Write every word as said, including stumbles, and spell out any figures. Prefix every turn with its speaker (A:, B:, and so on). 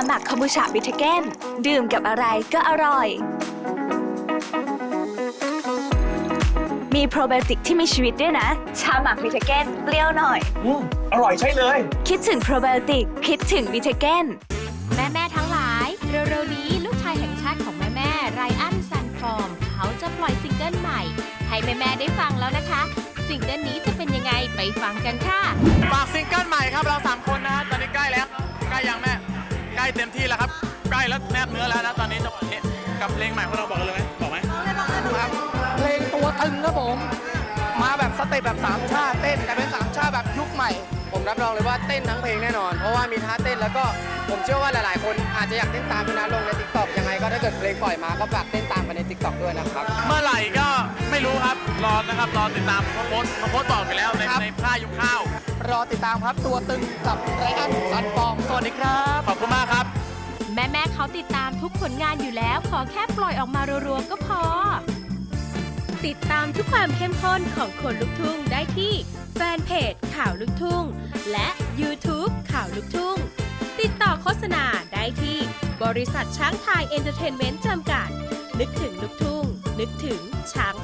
A: หมักคอมบูชาบิทเก้นดื่มกับอะไรก็อร่อยมีโปรไบโอติกที่มีชีวิตด้วยนะชาหมักบิทเก้นเปรี้ยวหน่อย
B: อืมอร่อยใช่เลย
A: คิดถึงโปรไบโอติกคิดถึงบิทเก้น
C: แม่แม่ทั้งหลายเร็วๆนี้ลูกชายแห่งชาติของแม่แม่ไรอันซันฟอร์มเขาจะปล่อยซิงเกิลใหม่ให้แม่แม่ได้ฟังแล้วนะคะซิงเกิลนี้จะเป็นยังไงไปฟังกันค่ะ
D: ฝากซิงเกิลใหม่ครับเราสามคนนะฮะตอนนี้ใกล้แล้วใกล้ยังแม่ใกล้เต็มที่แล้วครับใกล้แล้วแนบเนื้อแล้วนะตอนนี้จังหวะนี้กับเพลงใหม่ของเราบอกเลยไหมบอกไหม
E: ครับเพลงตัวตึงครับผมมาแบบสเต็ปแบบสามชาติเต้นแต่เป็นสามชาติแบบยุคใหม่ผมรับรองเลยว่าเต้นทั้งเพลงแน่นอนเพราะว่ามีท่าเต้นแล้วก็ผมเชื่อว่าหลายๆคนอาจจะอยากเต้นตามพี่นัทลงใน ติ๊กต็อก ยังไงก็ถ้าเกิดเพลงปล่อยมาก็ฝากเต้นตามไปใน ติ๊กต็อก ด้วยนะครับ
D: เมื่อไหร่ก็ไม่รู้ครับรอนะครับรอติดตามเขาโพสต์เขาโพสต์บอกไปแล้วในในค่ายยุคข้าว
E: รอติดตามครับตัวตึงกับไรอันซันฟอร์มสวัสดีครับ
D: ขอบคุณมากครับ
C: แม่แม่เขาติดตามทุกผลงานอยู่แล้วขอแค่ปล่อยออกมารัวๆก็พอติดตามทุกความเข้มข้นของคนลุกทุ่งได้ที่แฟนเพจข่าวลุกทุ่งและ ยูทูบ ข่าวลุกทุ่งติดต่อโฆษณาได้ที่บริษัทช้างไทยเอนเตอร์เทนเมนต์จำกัดนึกถึงลุกทุ่งนึกถึงช้าง